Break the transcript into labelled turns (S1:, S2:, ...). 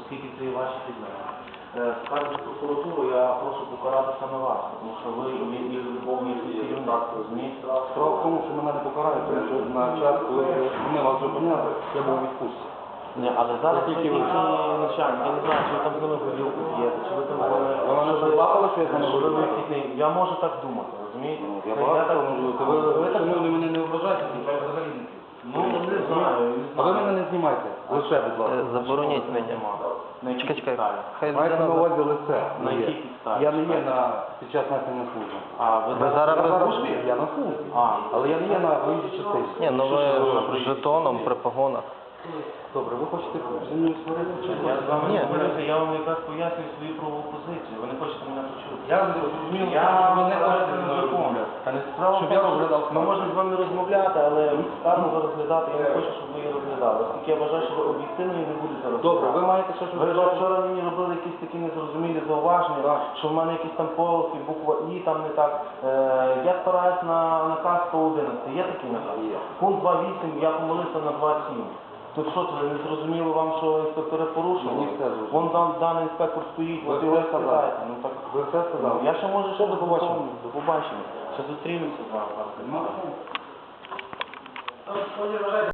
S1: оскільки це є ваші підлеглі. Скажете прокуратуру, я прошу покарати саме вас, тому що ви є любовний керівник, розумієте?
S2: Справа в тому, що мене не покарають, тому що на час, коли ми вас зупиняли, я був у відпустці.
S1: Ні, але зараз тільки ви начальник, я не знаю, чи ви там з ними поділку п'єте, чи ви там...
S2: Вона не заплакала, що я з ними говорю?
S1: Я можу так думати, розумієте?
S2: Я багато можу. Ви так мене не ображаєте, я взагалі не чую.
S1: Ну, не знаю.
S2: А ви мене не знімайте. Лише, будь ласка.
S3: Забороніть мені.
S1: Чекай.
S2: Маєте на увазі лице.
S1: На якій підставі?
S2: Я не є під час несення служби.
S1: А, ви
S3: зараз
S2: Я
S3: без
S2: службі? Я на службі. Але я не є на виїжджій частині.
S3: Ні, ну ви жетоном при погонах.
S2: Добре, ви хочете зі мною сваритися?
S1: Я з вами
S3: Ні.
S1: не говорюся, я вам якраз пояснюю свою правову позицію. Ви не хочете мене почути.
S2: Я зрозумів,
S1: Я
S2: що ви не хочете
S1: не
S2: зі мною розмовляти.
S1: Та не справа,
S2: Щоб я розглядав
S1: ми
S2: справу.
S1: можемо з вами розмовляти, але скаргу розглядати я не хочу, щоб ви її розглядали. Оскільки я вважаю, що ви об'єктивно і не будете розглядати.
S2: Добре, ви маєте щось
S1: Ви вчора мені робили якісь такі незрозумілі зауваження, що в мене якісь там полоски, буква І там не так. Я спираюсь на наказ 111. Є такий наказ? Пункт 2.8, я помилився на 2.7. Тут що, це не зрозуміло вам, що інспектори порушили?
S2: Мені все зрозуміло.
S1: Вон там даний інспектор стоїть,
S2: Ви
S1: от
S2: все
S1: його
S2: сказали.
S1: спитаєте. Ну так,
S2: Ви все сказали.
S1: я ще можу ще
S2: До побачення.
S1: До побачення. Ще зустрінемося з вами.